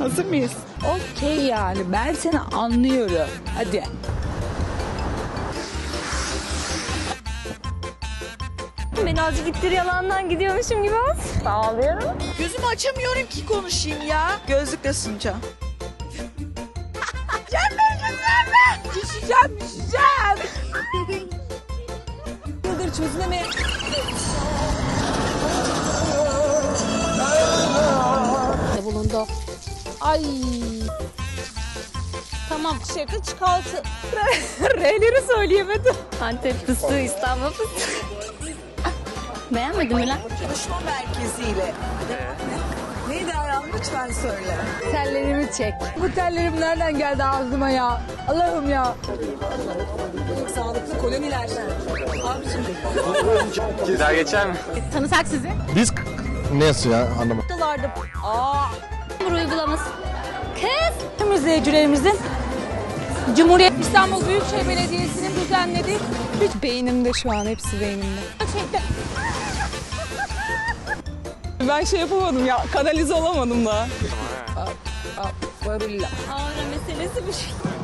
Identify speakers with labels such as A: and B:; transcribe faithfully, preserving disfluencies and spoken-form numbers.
A: Hazır mıyız?
B: Okey yani ben seni anlıyorum. Hadi.
C: Ben azıcık ittir yalandan gidiyormuşum gibi az. Sağlıyorum.
A: Gözümü açamıyorum ki konuşayım ya. Gözlükle sunacağım. Cemre güzel. Düşeceğim düşeceğim.
C: Yıldır çözülemeyen...
D: bulundu. Ay. Tamam.
C: Şaka çıkartı. R'leri söyleyemedim. Antep fıstığı, İstanbul fıstığı. Beğenmedin mi lan?
A: Konuşma merkeziyle. Neydi Ayhan? Lütfen söyle.
D: Tellerimi çek. Bu tellerim nereden geldi ağzıma ya? Allah'ım ya.
A: Sağlıklı koloniler. Abicim.
E: Bir daha geçer mi?
D: Tanısak sizi.
F: Biz nasıl ya anlamadım.
C: Noktalarda. Aa.
D: Bu uygulaması.
C: Kız. Tüm izleyicilerimizin Cumhuriyet İstanbul Büyükşehir Belediyesi'nin düzenlediği hiç beynimde şu an hepsi beynimde. Gerçekten. Ben şey yapamadım ya kanalize olamadım da.
B: Varilla.
C: Ağrı meselesi bu şey.